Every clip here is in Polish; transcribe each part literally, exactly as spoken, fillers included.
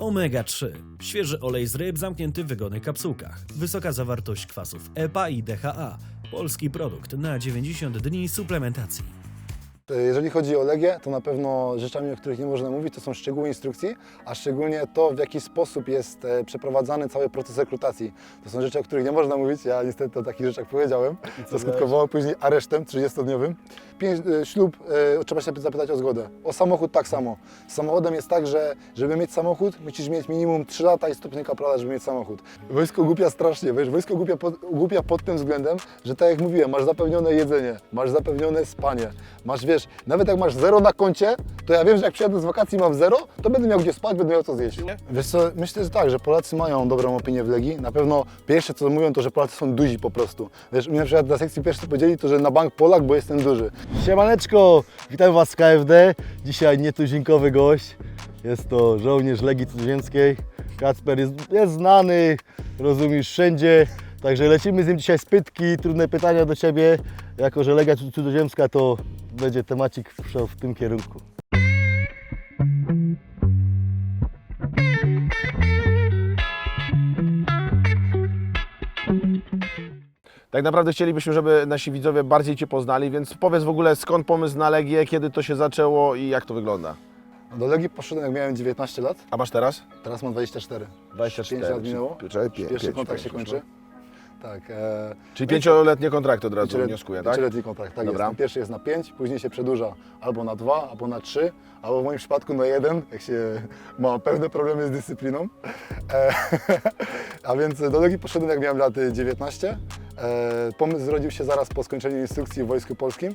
omega trzy. Świeży olej z ryb zamknięty w wygodnych kapsułkach. Wysoka zawartość kwasów E P A i D H A. Polski produkt na dziewięćdziesiąt dni suplementacji. Jeżeli chodzi o Legię, to na pewno rzeczami, o których nie można mówić, to są szczegóły instrukcji, a szczególnie to, w jaki sposób jest przeprowadzany cały proces rekrutacji. To są rzeczy, o których nie można mówić, ja niestety o takich rzeczach powiedziałem, co skutkowało później aresztem trzydziestodniowym. Pięć, ślub, e, trzeba się zapytać o zgodę. O samochód tak samo. Z samochodem jest tak, że żeby mieć samochód, musisz mieć minimum trzy lata i stopień kaprala, żeby mieć samochód. Wojsko głupia strasznie, wiesz, wojsko głupia pod, głupia pod tym względem, że tak jak mówiłem, masz zapewnione jedzenie, masz zapewnione spanie, masz, wiesz, nawet jak masz zero na koncie, to ja wiem, że jak przyjadę z wakacji mam zero, to będę miał gdzie spać, będę miał co zjeść. Nie? Wiesz co, myślę, że tak, że Polacy mają dobrą opinię w Legii. Na pewno pierwsze co mówią, to że Polacy są duzi po prostu. Wiesz, mi na przykład na sekcji pierwszej powiedzieli to, że na bank Polak, bo jestem duży. Siemaneczko, witam Was z K F D. Dzisiaj nietuzinkowy gość. Jest to żołnierz Legii Cudzoziemskiej. Kacper jest, jest znany, rozumiesz, wszędzie. Także lecimy z nim dzisiaj z pytki, trudne pytania do Ciebie. Jako że Legia Cudzoziemska, to będzie temacik w, w tym kierunku. Tak naprawdę chcielibyśmy, żeby nasi widzowie bardziej Cię poznali, więc powiedz w ogóle, skąd pomysł na Legię, kiedy to się zaczęło i jak to wygląda? Do Legii poszedłem, jak miałem dziewiętnaście lat, A masz teraz? teraz mam dwadzieścia cztery. dwadzieścia cztery. pięć lat minęło, Czyli pie, pierwszy pięć, kontrakt się pięć, kończy. Tak. E, Czyli pięcioletnie kontrakty od razu Pięciolet- wnioskuję, tak? Pięcioletni kontrakt, tak Dobra. jest. Pierwszy jest na pięć, później się przedłuża albo na dwa, albo na trzy, albo w moim przypadku na jeden, jak się ma pewne problemy z dyscypliną. E, a więc do Legii poszedłem, jak miałem lat dziewiętnaście. E, pomysł zrodził się zaraz po skończeniu instrukcji w Wojsku Polskim.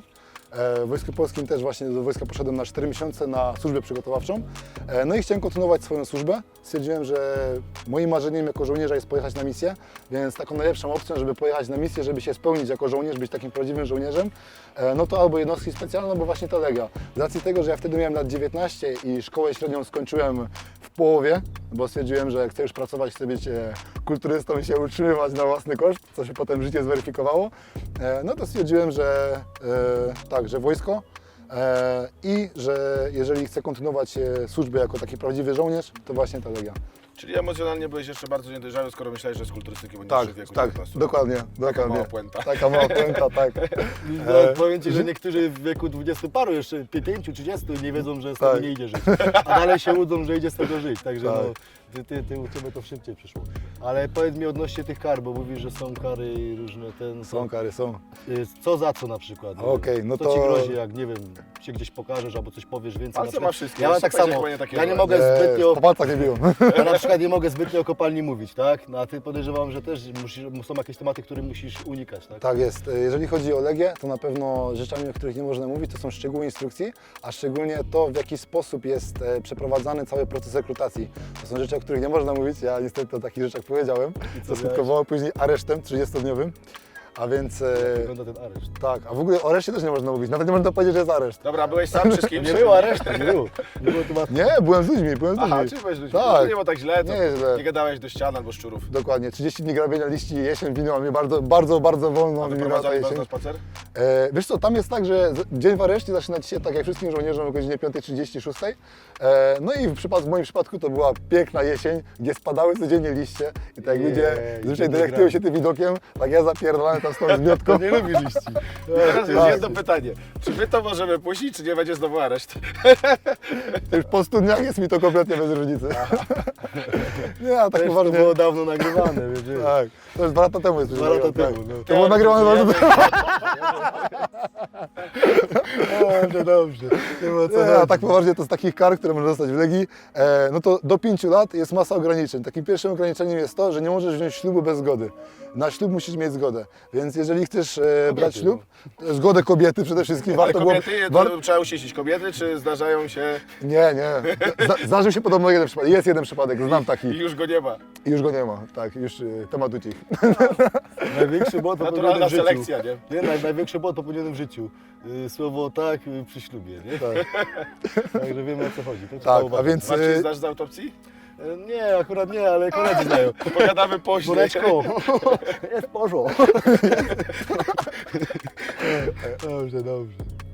W Wojsku Polskim też właśnie do wojska poszedłem na cztery miesiące na służbę przygotowawczą. No i chciałem kontynuować swoją służbę. Stwierdziłem, że moim marzeniem jako żołnierza jest pojechać na misję, więc taką najlepszą opcją, żeby pojechać na misję, żeby się spełnić jako żołnierz, być takim prawdziwym żołnierzem, no to albo jednostki specjalne, albo właśnie ta Legia. Z racji tego, że ja wtedy miałem lat dziewiętnaście i szkołę średnią skończyłem w połowie, bo stwierdziłem, że chcę już pracować, chcę być kulturystą i się utrzymywać na własny koszt, co się potem życie zweryfikowało, no to stwierdziłem, że tak, że wojsko e, i że jeżeli chcę kontynuować e, służbę jako taki prawdziwy żołnierz, to właśnie ta Legia. Czyli emocjonalnie byłeś jeszcze bardzo niedojrzały, skoro myślałeś, że z kulturystyki będziesz Tak, w wieku tak, dziewiętnastu. dokładnie, Taka dokładnie. mała puenta. Taka mała puenta, tak. No, E, powiem Ci, że niektórzy w wieku dwudziestu paru, jeszcze pięciu, trzydziestu nie wiedzą, że z Tak. tego nie idzie żyć. A dalej się łudzą, że idzie z tego żyć. Także Tak. no, ty, ty, ty u Ciebie to szybciej przyszło. Ale powiedz mi odnośnie tych kar, bo mówisz, że są kary i różne ten... Są kary, są. Co za co na przykład? Okej, no co to- Ci grozi, jak nie wiem, się gdzieś pokażesz albo coś powiesz więcej? Palce na przykład? ma wszystkie, Ja mam jeszcze tak samo. powiedzieć, bo nie takie Ja nie złe. mogę E, zbytnio... po palcach nie biją. Ja na przykład nie mogę zbytnio o kopalni mówić, tak? No a Ty podejrzewam, że też musisz, są jakieś tematy, które musisz unikać, tak? Tak jest. Jeżeli chodzi o Legię, to na pewno rzeczami, o których nie można mówić, to są szczegóły instrukcji, a szczególnie to, w jaki sposób jest e, przeprowadzany cały proces rekrutacji. To są rzeczy, o których nie można mówić, ja niestety o takich rzeczach powiedziałem, co co skutkowało później aresztem trzydziestodniowym. A więc e, Wygląda ten areszt. tak, a w ogóle o areszcie też nie można mówić, nawet nie można powiedzieć, że jest areszt. Dobra, byłeś sam czy z kimś? Nie było aresztu, nie było. Nie było tematu. Nie, byłem z ludźmi, byłem z ludźmi. Aha, czy byłeś ludźmi? Tak. To nie było tak źle, to Nie jest źle. nie gadałeś do ścian albo szczurów. Dokładnie, trzydzieści dni grabienia liści, jesień winęła mnie bardzo, bardzo, bardzo wolno. A minęła ta wyprowadzali was jesień. na spacer? E, wiesz co, tam jest tak, że z- dzień w areszcie zaczyna się tak jak wszystkim żołnierzom o godzinie piątej trzydzieści, szóstej. E, no i w, przypad- w moim przypadku to była piękna jesień, gdzie spadały codziennie liście i tak jak Jej, ludzie zwyczaj gdzie delektują wygramy. się tym widokiem, tak ja zapierdolałem tam z tą zmiotką. Nie lubi liści. Teraz jest tak. jedno pytanie. Czy my to możemy puścić, czy nie będzie znowu areszt? Już po stu dniach jest mi to kompletnie bez różnicy. Nie, a tak Też to poważnie. było dawno nagrywane, wiesz, wiesz. Tak, to już dwa lata temu jest. Dwa lata tak. temu, no. To było nagrywane dwa lata temu. Dobrze, dobrze. Nie było co Nie, a robić. tak poważnie to z takich kar, które można dostać w Legii, e, no to do pięciu lat jest masa ograniczeń. Takim pierwszym ograniczeniem jest to, że nie możesz wziąć ślubu bez zgody. Na ślub musisz mieć zgodę. Więc jeżeli chcesz e, brać ślub, zgodę kobiety przede wszystkim, Ale warto kobiety, było... to War... trzeba usieścić kobiety, czy zdarzają się Nie, nie. Zda- Zdarzył się podobno jeden przypadek. Jest jeden przypadek, znam taki. i już go nie ma? I już go nie ma. Tak, już e, temat ucichł. Największy błąd popełniony Naturalna w życiu. selekcja, nie? Nie, naj, największy błąd popełniony w życiu. Y, Słowo tak y, przy ślubie, nie? Tak, Także wiemy, o co chodzi. To trzeba tak, a uważać. więc... Marcin, e, znasz z autopsji? Y, Nie, akurat nie, ale koledzy znają. Pogadamy później. Bureczko, jest porządek. Dobrze, dobrze.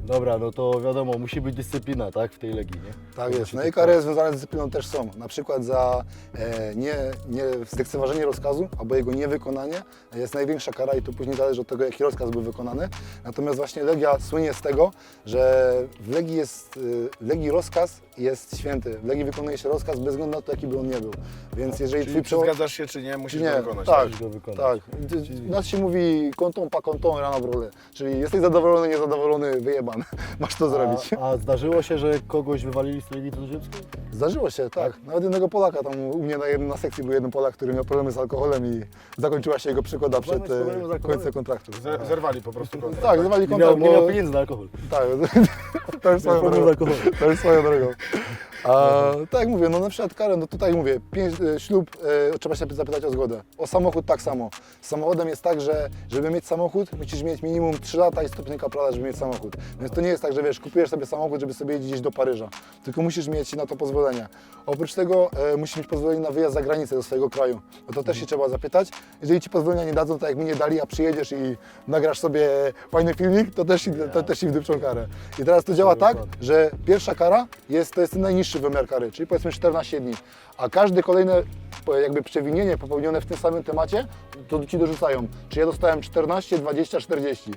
Dobra, no to wiadomo, musi być dyscyplina, tak, w tej Legii, nie? Tak To jest. musi No być i kary związane z dyscypliną też są. Na przykład za e, nie, nie zlekceważenie rozkazu albo jego niewykonanie jest największa kara i to później zależy od tego, jaki rozkaz był wykonany. Natomiast właśnie Legia słynie z tego, że w Legii, jest, y, w Legii rozkaz jest święty. W Legii wykonuje się rozkaz bez względu na to, jaki by on nie był. Więc jeżeli Czyli twój czy przeło... zgadzasz się, czy nie, musisz Nie, to wykonać. tak, Musisz go wykonać. tak. U nas się mówi kontą, pa kontą, rana w rolę. Czyli jesteś zadowolony, niezadowolony, wyjebany. Masz to zrobić. A, a zdarzyło się, że kogoś wywalili z Legii Cudzoziemskiej? Zdarzyło się, tak. Nawet jednego Polaka, tam u mnie na, jednym, na sekcji był jeden Polak, który miał problemy z alkoholem i zakończyła się jego przygoda przed Problemy z problemem z e, alkoholem? końcem kontraktu. Zer- Zerwali po prostu kontrakt. Tak, zerwali Nie miał, kontrakt, nie miał bo... pieniędzy na alkohol. Tak, to już swoją problem z drogą. alkoholem. To już swoją drogą. A, tak jak mówię, no na przykład karę, no tutaj mówię, pięć, e, ślub, e, trzeba się zapytać o zgodę. O samochód tak samo. Z samochodem jest tak, że żeby mieć samochód, musisz mieć minimum trzy lata i stopnie kaprala, żeby mieć samochód. Więc to nie jest tak, że wiesz, kupujesz sobie samochód, żeby sobie jeździć do Paryża. Tylko musisz mieć na to pozwolenie. Oprócz tego e, musisz mieć pozwolenie na wyjazd za granicę do swojego kraju. No to też się trzeba zapytać. Jeżeli ci pozwolenia nie dadzą, tak jak mi nie dali, a przyjedziesz i nagrasz sobie fajny filmik, to też, to też ci wdupczą karę. I teraz to działa tak, że pierwsza kara jest, to jest ten najniższy wymiar kary, czyli powiedzmy czternaście dni, a każde kolejne po- jakby przewinienie popełnione w tym samym temacie, to ci dorzucają. Czy ja dostałem czternaście, dwadzieścia, czterdzieści.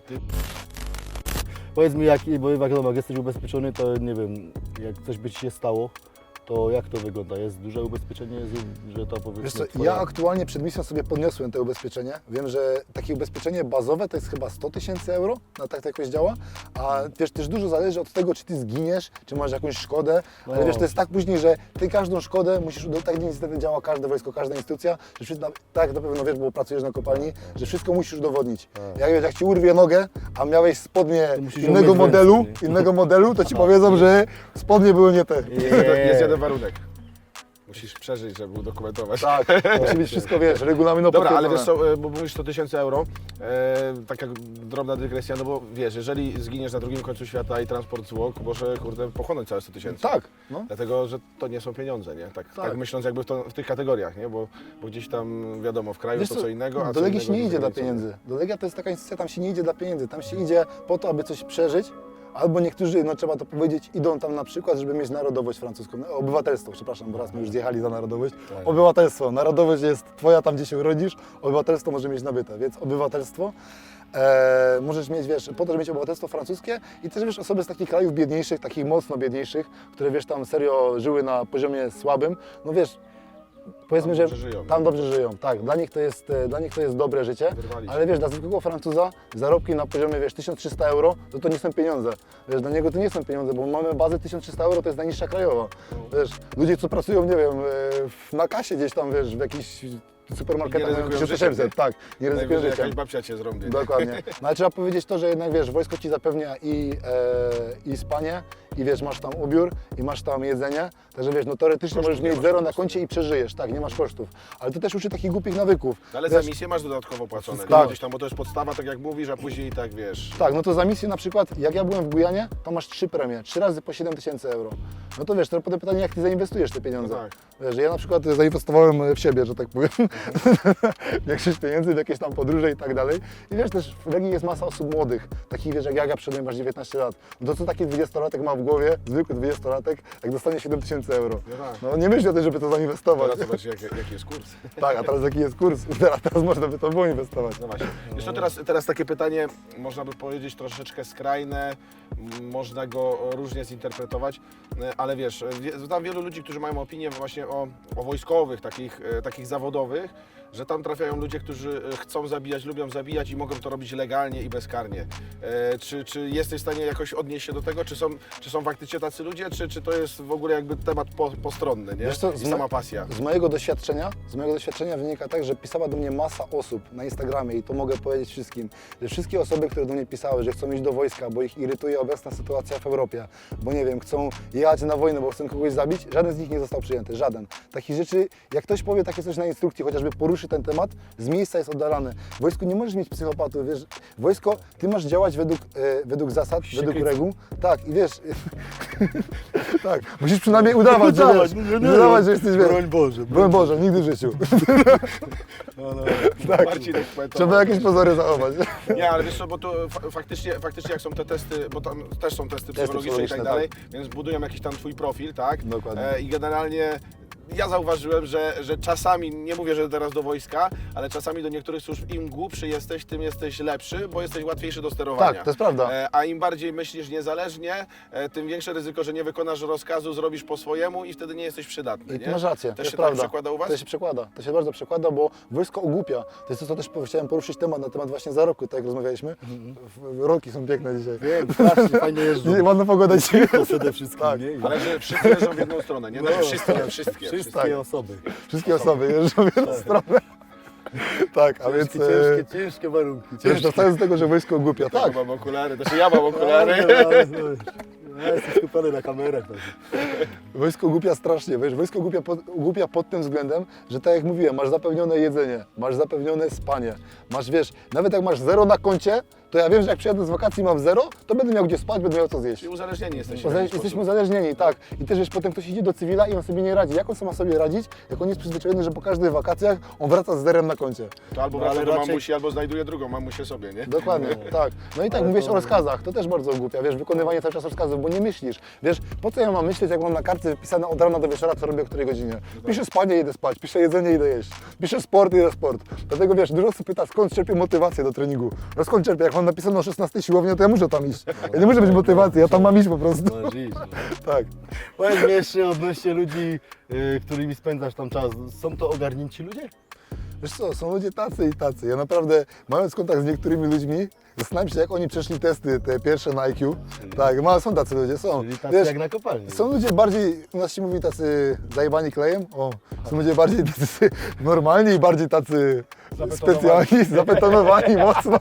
Powiedz mi, jak, bo wiadomo, jak jesteś ubezpieczony, to nie wiem, jak coś by ci się stało, to jak to wygląda? Jest duże ubezpieczenie, jest, że to powiedzmy Wiesz co, twoja- ja aktualnie przed misją sobie podniosłem te ubezpieczenie. Wiem, że takie ubezpieczenie bazowe to jest chyba sto tysięcy euro, no tak to jakoś działa. A wiesz, też dużo zależy od tego, czy ty zginiesz, czy masz jakąś szkodę. Ale No. wiesz, to jest tak później, że ty każdą szkodę musisz, udowodnić, tak niestety działa każde wojsko, każda instytucja, że wszystko, tak na pewno wiesz, bo pracujesz na kopalni, że wszystko musisz udowodnić. Jak, wiesz, jak ci urwie nogę, a miałeś spodnie To musisz ją innego mieć w modelu, ręce, nie? innego modelu, to ci powiedzą, że spodnie były nie te. Jest jeden warunek. Musisz przeżyć, żeby udokumentować. Tak, musi być wszystko, wiesz, regulaminowo Dobra, ale potwierdzone. wiesz co, e, bo mówisz sto tysięcy euro, e, taka drobna dygresja, no bo wiesz, jeżeli zginiesz na drugim końcu świata i transport zwłok, może kurde pochłonąć całe sto tysięcy. Tak, no. Dlatego, że to nie są pieniądze, nie? Tak, tak. Tak. myśląc jakby w, to, w tych kategoriach, nie? Bo, bo gdzieś tam wiadomo, w kraju Wiesz to co, co innego, a do co Legii innego się nie za idzie dla granicą. pieniędzy. Do Legia to jest taka instytucja, tam się nie idzie dla pieniędzy. Tam się idzie po to, aby coś przeżyć, albo niektórzy, no trzeba to powiedzieć, idą tam na przykład, żeby mieć narodowość francuską, no, obywatelstwo, przepraszam, bo raz my już zjechali za narodowość. Tak. Obywatelstwo, narodowość jest twoja tam, gdzie się urodzisz, obywatelstwo może mieć nabyte, więc obywatelstwo. E, możesz mieć, wiesz, po to, żeby mieć obywatelstwo francuskie i też, wiesz, osoby z takich krajów biedniejszych, takich mocno biedniejszych, które, wiesz, tam serio żyły na poziomie słabym, no wiesz, powiedzmy, Tam że dobrze żyją. tam dobrze żyją, tak, dla nich to jest, e, dla nich to jest dobre życie, Wyrwali się. ale wiesz, dla zwykłego Francuza zarobki na poziomie, wiesz, tysiąc trzysta euro, to to nie są pieniądze, wiesz, dla niego to nie są pieniądze, bo mamy bazę tysiąc trzysta euro, to jest najniższa krajowa, wiesz, ludzie, co pracują, nie wiem, e, w- na kasie gdzieś tam, wiesz, w jakichś supermarketach Nie mają ryzykują tysiąc osiemset, życiem, tak, nie ryzykują Najwyżej życiem. jakaś babcia cię zrobi. Dokładnie. No ale trzeba powiedzieć to, że jednak wiesz, wojsko ci zapewnia i, e, i spanie, i wiesz, masz tam ubiór, i masz tam jedzenie, także wiesz, no teoretycznie Kosztów możesz nie mieć masz zero po na prostu, koncie i przeżyjesz, tak, nie masz kosztów. Ale to też uczy takich głupich nawyków. No ale Wiesz, za misję masz dodatkowo płacone, Tak. nie? Gdzieś tam, bo to jest podstawa, tak jak mówisz, a później tak wiesz. Tak, no to za misję na przykład, jak ja byłem w Gujanie, to masz trzy premie, trzy razy po siedem tysięcy euro. No to wiesz, to potem pytanie, jak ty zainwestujesz te pieniądze. No tak. Wiesz, ja na przykład zainwestowałem w siebie, że tak powiem, większość pieniędzy w jakieś tam podróże i tak dalej. I wiesz, też w Legii jest masa osób młodych, takich wiesz, jak ja, ja przyszedłem, masz dziewiętnaście lat. No to co taki dwudziestolatek ma w głowie, zwykły dwudziestolatek, jak dostanie siedem tysięcy euro. No tak. No nie myśli o tym, żeby to zainwestować. Teraz zobacz, jaki, jaki jest kurs. Tak, a teraz jaki jest kurs? Teraz, teraz można by to było inwestować. No właśnie. Wiesz co, teraz, teraz takie pytanie, można by powiedzieć troszeczkę skrajne, m, można go różnie zinterpretować, e, ale wiesz, wie- znam wielu ludzi, którzy mają opinię właśnie o, o wojskowych, takich, e, takich zawodowych, że tam trafiają ludzie, którzy e, chcą zabijać, lubią zabijać i mogą to robić legalnie i bezkarnie. E, Czy, czy jesteś w stanie jakoś odnieść się do tego? Czy są, czy są faktycznie tacy ludzie, czy, czy to jest w ogóle jakby temat po, postronny, nie? Wiesz co, I z mo- sama pasja. Z mojego doświadczenia, z mojego doświadczenia wynika tak, że pisała do mnie masa osób na Instagramie i to mogę powiedzieć wszystkim, że wszystkie osoby, które do mnie pisały, że chcą iść do wojska, bo ich irytuje obecna sytuacja w Europie, bo nie wiem, chcą jechać na wojnę, bo chcą kogoś zabić, żaden z nich nie został przyjęty, żaden. Takich rzeczy, jak ktoś powie takie coś na instrukcji, chociażby poruszy ten temat, z miejsca jest oddalany. W wojsku nie możesz mieć psychopatów, wiesz, wojsko, ty masz działać według, e, według zasad, według reguł, tak i wiesz, Tak, musisz przynajmniej udawać, że, Udawać, wiesz, nie, nie, udawać, że jesteś, wiesz, Broń Boże. broń Boże, nigdy w życiu. Tak, Marcinek poetował. trzeba jakieś pozory zachować. Nie, ale wiesz co, bo to fa faktycznie, faktycznie jak są te testy, bo tam też są testy psychologiczne i tak psychologiczne, dalej, więc budują jakiś tam twój profil, tak? Dokładnie. E, I generalnie ja zauważyłem, że, że czasami, nie mówię, że teraz do wojska, ale czasami do niektórych służb im głupszy jesteś, tym jesteś lepszy, bo jesteś łatwiejszy do sterowania. Tak, to jest prawda. E, a im bardziej myślisz niezależnie, e, tym większe ryzyko, że nie wykonasz rozkazu, zrobisz po swojemu i wtedy nie jesteś przydatny. I ty nie? masz rację, to Też jest się prawda. tak przekłada u was? To się przekłada, to się bardzo przekłada, bo wojsko ogłupia. To jest to, co też po- chciałem poruszyć temat na temat właśnie zarobku, tak jak rozmawialiśmy. W- Rolki są piękne dzisiaj. Wiem, strasznie fajnie jeżdżą. Nie, ładna pogoda dzisiaj. To przede wszystkim, Tak. nie? Ale że wszyscy jeżdżą w jedną stronę, nie? Znaczy wszystkie, wszystkie. Wszystkie Tak. osoby. Wszystkie osoby jeżdżą w jedną stronę. Tak, a więc... Ciężkie, e, ciężkie, ciężkie warunki. Wiesz, Ciężkie. wracając do tego, że wojsko ogłupia. Tak, Tak, mam okulary, też ja mam okulary. Ja jestem skupiony na kamerach. Tak. wojsko ogłupia strasznie, wiesz, wojsko ogłupia pod, ogłupia pod tym względem, że tak jak mówiłem, masz zapewnione jedzenie, masz zapewnione spanie, masz, wiesz, nawet jak masz zero na koncie, to ja wiem, że jak przyjadę z wakacji mam zero, to będę miał gdzie spać, będę miał co zjeść. Czyli uzależnieni jesteście. w Uzale- jakiś Jesteśmy sposób. uzależnieni, tak. I też wiesz, potem ktoś idzie do cywila i on sobie nie radzi. Jak on sam ma sobie radzić, jak on jest przyzwyczajony, że po każdych wakacjach on wraca z zerem na koncie. To albo No, wraca ale do raczej- mamusi, albo znajduje drugą mamusię sobie, nie? Dokładnie, tak. No i tak, Ale mówisz to- o rozkazach, to też bardzo ogłupia, wiesz, wykonywanie cały czas rozkazów, bo nie myślisz. Wiesz, po co ja mam myśleć, jak mam na kartce wypisane od rana do wieczora, co robię o której godzinie. Piszę spanie, idę spać, piszę jedzenie, idę jeść. Piszę sport, idę sport. Dlatego wiesz, dużo osób pyta, skąd czerpię motywację do treningu. No skąd czerpię? Jak mam napisane o szesnastej siłowni, to ja muszę tam iść. Ja nie muszę być motywacji, ja tam mam iść po prostu. Masz iść, no. Tak. Powiedz mi jeszcze odnośnie ludzi, y, którymi spędzasz tam czas. Są to ogarnięci ludzie? Wiesz co, są ludzie tacy i tacy. Ja naprawdę, mając kontakt z niektórymi ludźmi, zastanawiam się, jak oni przeszli testy, te pierwsze na I Q. Tak, ma, są tacy ludzie, są. Czyli tacy Wiesz, jak na kopalni. są ludzie bardziej, u nas się mówi tacy zajebani klejem, o, są ludzie bardziej tacy normalni i bardziej tacy Zabetonowani. specjalni, zabetonowani mocno.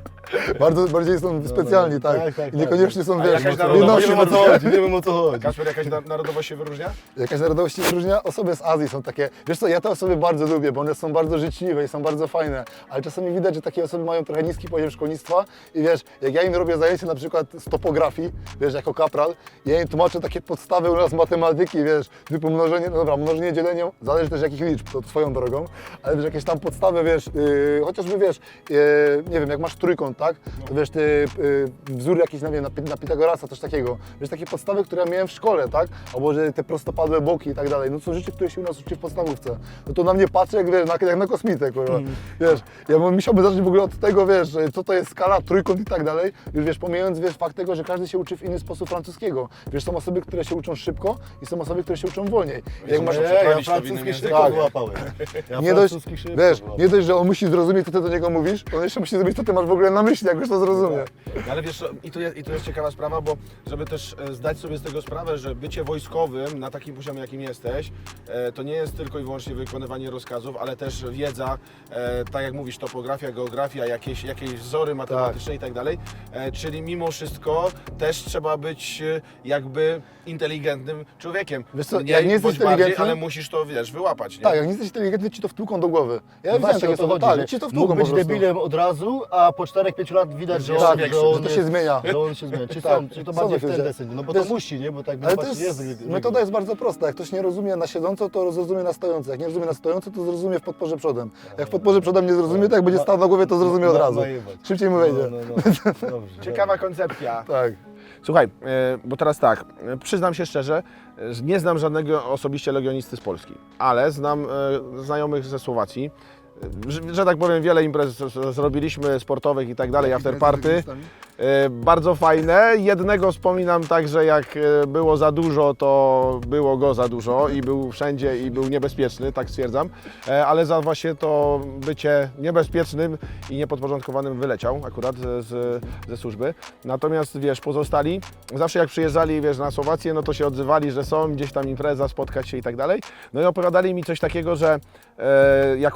Bardzo, bardziej są specjalni, tak. tak, tak, I niekoniecznie są, A wiesz, jakaś Nie narodowość jedności wiem o co mocno. chodzi, nie wiem o co chodzi. Kasper, jakaś na- narodowość się wyróżnia? Jakaś narodowość się wyróżnia? Osoby z Azji są takie, wiesz co, ja te osoby bardzo lubię, bo one są bardzo życzliwe i są bardzo fajne, ale czasami widać, że takie osoby mają trochę niski poziom szkolnictwa i wiesz, jak ja im robię zajęcie na przykład z topografii, wiesz, jako kapral, ja im tłumaczę takie podstawy u nas matematyki, wiesz, typu mnożenie, no dobra, mnożenie, dzielenie, zależy też jakich liczb, to swoją drogą, ale wiesz, jakieś tam podstawy, wiesz, yy, chociażby wiesz, yy, nie wiem, jak masz trójkąt, tak, to wiesz, ty, yy, wzór jakiś, nie wiem, na, Pi- na Pitagorasa, coś takiego, wiesz, takie podstawy, które ja miałem w szkole, tak, albo że te prostopadłe boki i tak dalej, no to są rzeczy, które się u nas uczy w podstawówce, no to na mnie patrzy, jak, wiesz, na, jak na kosmitę, kurwa, wiesz, ja bym musiałbym zacząć w ogóle od tego, wiesz, co to jest skala, trójkąt i tak dalej, już wiesz, pomijając, wiesz, fakt tego, że każdy się uczy w inny sposób francuskiego, wiesz, są osoby, które się uczą szybko i są osoby, które się uczą wolniej. Jak masz, Nie, ja przeprawić to w francuski innym szybko języku. wyłapałem. Ja nie dość, francuski szybko wiesz, wyłapałem. nie dość, że on musi zrozumieć, co ty do niego mówisz, on jeszcze musi zrozumieć, co ty masz w ogóle na myśli, jak już to zrozumie. No ale wiesz, co, i to, jest, i to jest ciekawa sprawa, bo żeby też e, zdać sobie z tego sprawę, że bycie wojskowym na takim poziomie, jakim jesteś, e, to nie jest tylko i wyłącznie wykonywanie rozkazów, ale też wiedza, e, tak jak mówisz, topografia, geografia, jakieś, jakieś wzory matematyczne i tak dalej. E, czyli mimo wszystko też trzeba być e, jakby inteligentnym człowiekiem. Wiesz co, Mniej jak nie jesteś bądź bardziej, inteligentny- ale musisz to, wiesz, wyłapać, nie? Tak, jak nie jesteś inteligentny, ci to wtłuką do głowy. Ja No widziałem właśnie takie o to osoby, chodzi, tak, że ci to mógł wtłuką po być prostu. debilem od razu, a po czterech pięciu lat widać, że, Tak, on, że on to się jest- zmienia. Że on się zmienia. Czy, Tak, są, czy to są bardziej w takie ten ludzie. deseń? No bo To to, jest- musi, nie? Bo tak Ale to właśnie jest, jest metoda jest bardzo prosta. Jak ktoś nie rozumie na siedząco, to zrozumie na stojąco. Jak nie rozumie na stojąco, to zrozumie w podporze przodem. Jak w podporze przodem nie zrozumie, to jak będzie stał na głowie, to zrozumie od Ma- razu. majebać. Szybciej mu wejdzie. No, no, no. Dobrze, Ciekawa koncepcja. Tak. Słuchaj, e, bo teraz tak, e, przyznam się szczerze, e, że nie znam żadnego osobiście legionisty z Polski, ale znam e, znajomych ze Słowacji. E, Że, że tak powiem, wiele imprez z- z- zrobiliśmy, sportowych i tak dalej, afterparty. E, Bardzo fajne. Jednego wspominam tak, że jak e, było za dużo, to było go za dużo i był wszędzie i był niebezpieczny, tak stwierdzam. E, Ale za właśnie to bycie niebezpiecznym i niepodporządkowanym wyleciał akurat ze, z- ze służby. Natomiast wiesz, pozostali, zawsze jak przyjeżdżali, wiesz, na Słowację, no to się odzywali, że są gdzieś tam impreza, spotkać się i tak dalej. No i opowiadali mi coś takiego, że e, jako Słowacy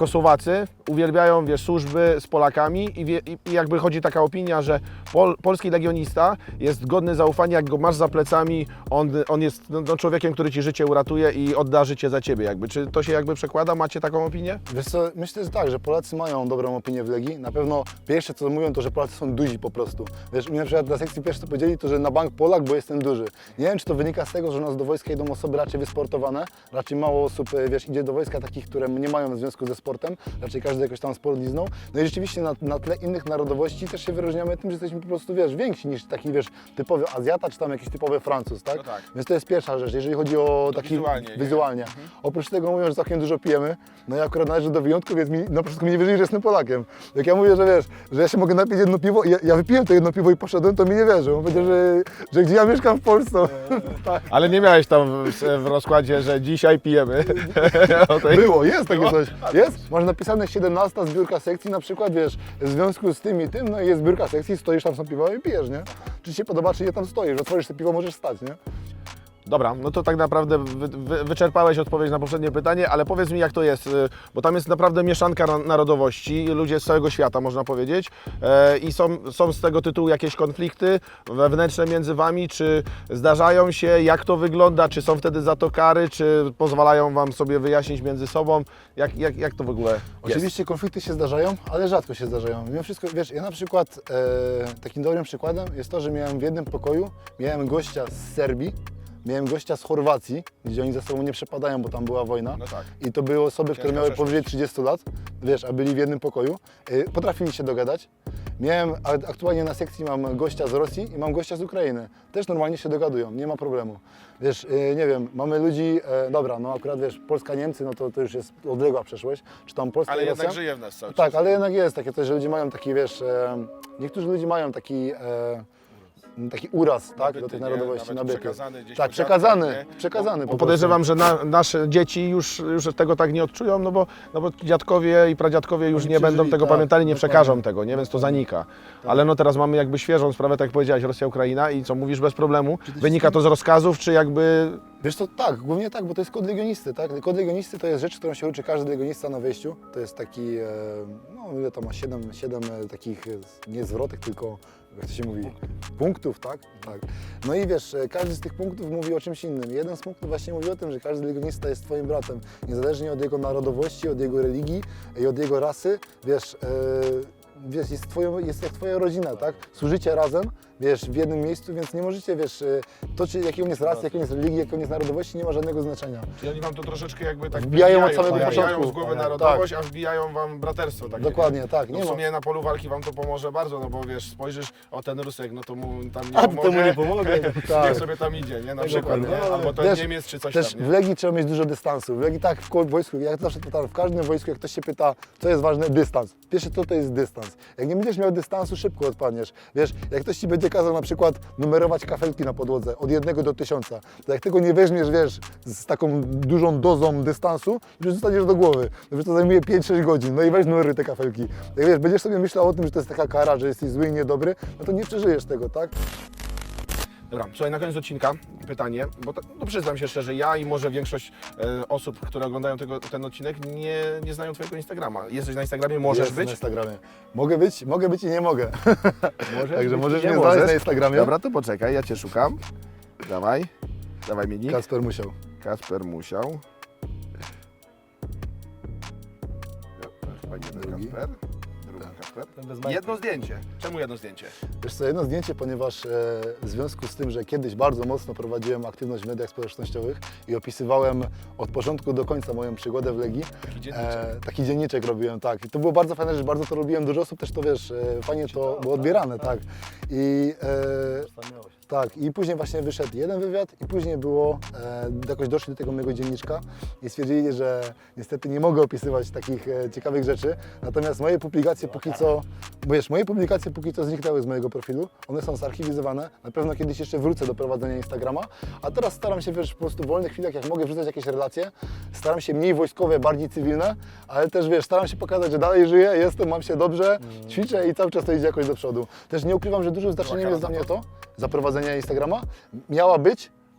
Polacy uwielbiają, wiesz, służby z Polakami i, wie, i jakby chodzi taka opinia, że pol, polski legionista jest godny zaufania, jak go masz za plecami, on, on jest no, no, człowiekiem, który ci życie uratuje i odda życie za ciebie jakby. Czy to się jakby przekłada? Macie taką opinię? Wiesz co, myślę, że tak, że Polacy mają dobrą opinię w Legii. Na pewno pierwsze co mówią to, że Polacy są duzi po prostu. Wiesz, u mnie na przykład na sekcji pierwsze co powiedzieli to, że na bank Polak, bo jestem duży. Nie wiem, czy to wynika z tego, że u nas do wojska idą osoby raczej wysportowane, raczej mało osób, wiesz, idzie do wojska takich, które nie mają w związku ze sportem, raczej każdy jakoś tam sport liznął. No i rzeczywiście na, na tle innych narodowości też się wyróżniamy tym, że jesteśmy po prostu, wiesz, więksi niż taki, wiesz, typowy Azjata, czy tam jakiś typowy Francuz, tak? No tak. Więc to jest pierwsza rzecz, jeżeli chodzi o To taki wizualnie, nie? wizualnie. Oprócz tego mówią, że całkiem dużo pijemy, no ja akurat należę do wyjątku, więc mi na początku mi nie wierzyli, że jestem Polakiem. Jak ja mówię, że wiesz, że ja się mogę napić jedno piwo, ja, ja wypiłem to jedno piwo i poszedłem, to mi nie wierzą. On powiedział, że, że gdzie ja mieszkam w Polsce. Tak. Ale nie miałeś tam w, w rozkładzie, że dzisiaj pijemy. O tej- Było, jest takie coś. Jest, masz napisane siedemnasta zbiórka sekcji na przykład, wiesz, w związku z tym i tym, no i jest zbiórka sekcji, stoisz tam, są piwa i pijesz, nie? Czy ci się podoba, czy nie tam stoisz, otworzysz to piwo, możesz stać, nie? Dobra, no to tak naprawdę wy, wy, wyczerpałeś odpowiedź na poprzednie pytanie, ale powiedz mi jak to jest, y, bo tam jest naprawdę mieszanka na- narodowości, ludzie z całego świata można powiedzieć e, i są, są z tego tytułu jakieś konflikty wewnętrzne między Wami, czy zdarzają się, jak to wygląda, czy są wtedy za to kary, czy pozwalają Wam sobie wyjaśnić między sobą, jak, jak, jak to w ogóle jest? Oczywiście konflikty się zdarzają, ale rzadko się zdarzają. Mimo wszystko, wiesz, ja na przykład e, takim dobrym przykładem jest to, że miałem w jednym pokoju, miałem gościa z Serbii, miałem gościa z Chorwacji, gdzie oni ze sobą nie przepadają, bo tam była wojna. No tak. I to były osoby, które Ciężka miały przeszłość. powyżej trzydziestu lat, wiesz, a byli w jednym pokoju. E, potrafili się dogadać. Miałem, a aktualnie na sekcji mam gościa z Rosji i mam gościa z Ukrainy. Też normalnie się dogadują, nie ma problemu. Wiesz, e, nie wiem, mamy ludzi, e, dobra, no akurat wiesz, Polska-Niemcy, no to, to już jest odległa przeszłość, czy tam Polska Ale i jednak Rosja. żyje w nas cały czas. Tak, ale jednak jest takie coś, że ludzie mają taki, wiesz, e, niektórzy ludzie mają taki, e, taki uraz, tak, Nabyty, do tych nie? narodowości, Nawet nabyty. przekazany gdzieś Tak, po przekazany, dziadkach, nie? przekazany Bo po podejrzewam, że na, nasze dzieci już, już tego tak nie odczują, no bo, no bo dziadkowie i pradziadkowie już Oni nie będą przeżyli, tego tak, pamiętali, nie dokładnie. przekażą tego, nie? Więc to zanika. Ale no teraz mamy jakby świeżą sprawę, tak jak powiedziałeś, Rosja-Ukraina i co mówisz bez problemu? Wynika to z rozkazów, czy jakby... Wiesz co, tak, głównie tak, bo to jest kod legionisty, tak? Kod legionisty to jest rzecz, którą się uczy każdy legionista na wejściu. To jest taki, e, no ile to ma, siedem, siedem e, takich, e, nie zwrotek, tylko, jak to się mówi, punktów, tak? Tak. No i wiesz, e, każdy z tych punktów mówi o czymś innym. Jeden z punktów właśnie mówi o tym, że każdy legionista jest twoim bratem, niezależnie od jego narodowości, od jego religii i od jego rasy, wiesz, e, wiesz, jest, twoją, jest jak twoja rodzina, tak? Służycie razem, wiesz, w jednym miejscu, więc nie możecie, wiesz, e, to czy jakiej on jest rasy, jakiej on jest religii, jakiej on jest narodowości, nie ma żadnego znaczenia. Czyli oni wam to troszeczkę jakby tak Wbijają od samego wbijają początku. z głowy Tak. narodowość, a wbijają wam braterstwo takie. Dokładnie, tak, No nie w ma. sumie na polu walki wam to pomoże bardzo, no bo wiesz, spojrzysz, o ten Rusek, no to mu tam nie A, pomogę. temu nie pomogę. Niech Tak. sobie tam idzie, nie? Na Tak, przykład, dokładnie. nie? No, Albo to też- Niemiec czy coś Też tam, w nie? Legii trzeba mieć dużo dystansu. W Legii tak, w ko- wojsku, jak zawsze pytam, w każdym wojsku, jak ktoś się pyta, co jest ważne, dystans. Pierwsze co to jest dystans. Jak nie będziesz miał dystansu, szybko odpadniesz. Wiesz, jak ktoś ci będzie kazał na przykład numerować kafelki na podłodze od jednego do tysiąca, to jak tego nie weźmiesz, wiesz, z taką dużą dozą dystansu, to już zostaniesz do głowy. No wiesz, to zajmuje pięć sześć godzin, no i weź numeruj te kafelki. Jak wiesz, będziesz sobie myślał o tym, że to jest taka kara, że jesteś zły i niedobry, no to nie przeżyjesz tego, tak? Dobra, słuchaj, na koniec odcinka pytanie, bo to, no przyznam się szczerze, ja i może większość e, osób, które oglądają tego, ten odcinek, nie, nie znają Twojego Instagrama. Jesteś na Instagramie, możesz Jest być? na Instagramie. Mogę być, mogę być i nie mogę. Możesz Także być, możesz nie mnie możesz. znaleźć na Instagramie. Dobra, to poczekaj, ja Cię szukam. Dawaj, dawaj mi nick. Kasper musiał. Kasper musiał. Chyba nie ten Drugi. Kasper. Drugi Kasper. bez majtki. Jedno zdjęcie. Czemu jedno zdjęcie? Wiesz co, jedno zdjęcie, ponieważ e, w związku z tym, że kiedyś bardzo mocno prowadziłem aktywność w mediach społecznościowych i opisywałem od początku do końca moją przygodę w Legii, Taki dzienniczek. e, taki dzienniczek robiłem, tak. I to było bardzo fajne, że bardzo to robiłem, dużo osób też to, wiesz, e, fajnie to było odbierane, tak. I e, tak, i później właśnie wyszedł jeden wywiad i później było, e, jakoś doszli do tego mojego dzienniczka i stwierdzili, że niestety nie mogę opisywać takich e, ciekawych rzeczy, natomiast moje publikacje póki co, bo wiesz, moje publikacje póki co zniknęły z mojego profilu, one są zarchiwizowane, na pewno kiedyś jeszcze wrócę do prowadzenia Instagrama, a teraz staram się, wiesz, po prostu w wolnych chwilach, jak mogę wrzucać jakieś relacje, staram się mniej wojskowe, bardziej cywilne, ale też, wiesz, staram się pokazać, że dalej żyję, jestem, mam się dobrze, ćwiczę i cały czas to idzie jakoś do przodu. Też nie ukrywam, że dużym znaczeniem jest dla mnie to, za prowadzenia Instagrama, miała być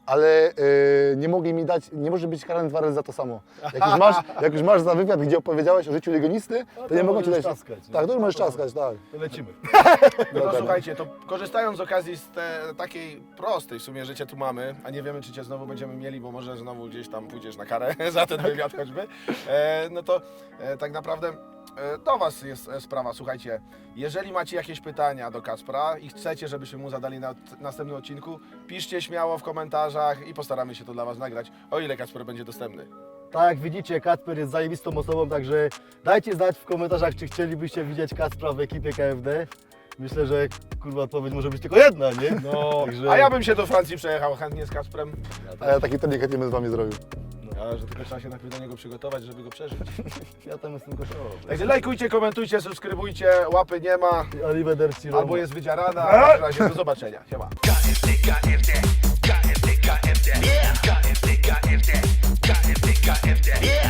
ale y, nie mogli mi dać, nie może być karany dwa razy za to samo. Jak już masz, jak już masz za wywiad, gdzie opowiedziałeś o życiu legionisty, to, to nie mogą ci możesz dać. czaskać, nie? Tak, to już możesz czaskać, tak. To lecimy. No to słuchajcie, to korzystając z okazji z te, takiej prostej w sumie, że Cię tu mamy, a nie wiemy, czy Cię znowu będziemy mieli, bo może znowu gdzieś tam pójdziesz na karę za ten wywiad choćby, e, no to e, tak naprawdę e, do Was jest e, sprawa. Słuchajcie, jeżeli macie jakieś pytania do Kacpra i chcecie, żebyśmy mu zadali na t- następnym odcinku, piszcie śmiało w komentarzach i postaramy się to dla Was nagrać, o ile Kacper będzie dostępny. Tak jak widzicie, Kacper jest zajebistą osobą, także dajcie znać w komentarzach, czy chcielibyście widzieć Kacpra w ekipie K F D. Myślę, że kurwa odpowiedź może być tylko jedna, nie? No, Także- a ja bym się do Francji przejechał chętnie z Kacprem, A ja taki trening chętnie bym z wami zrobił. ale że tylko trzeba się najpierw do niego przygotować, żeby go przeżyć. Ja tam jestem koszowy. Także lajkujcie, komentujcie, subskrybujcie, łapy nie ma, Arrivederci Roma. albo jest wydzierana, a w każdym razie do zobaczenia. Siema. K F D, K F D, K F D, K F D, K F D, K F D, K F D, K F D.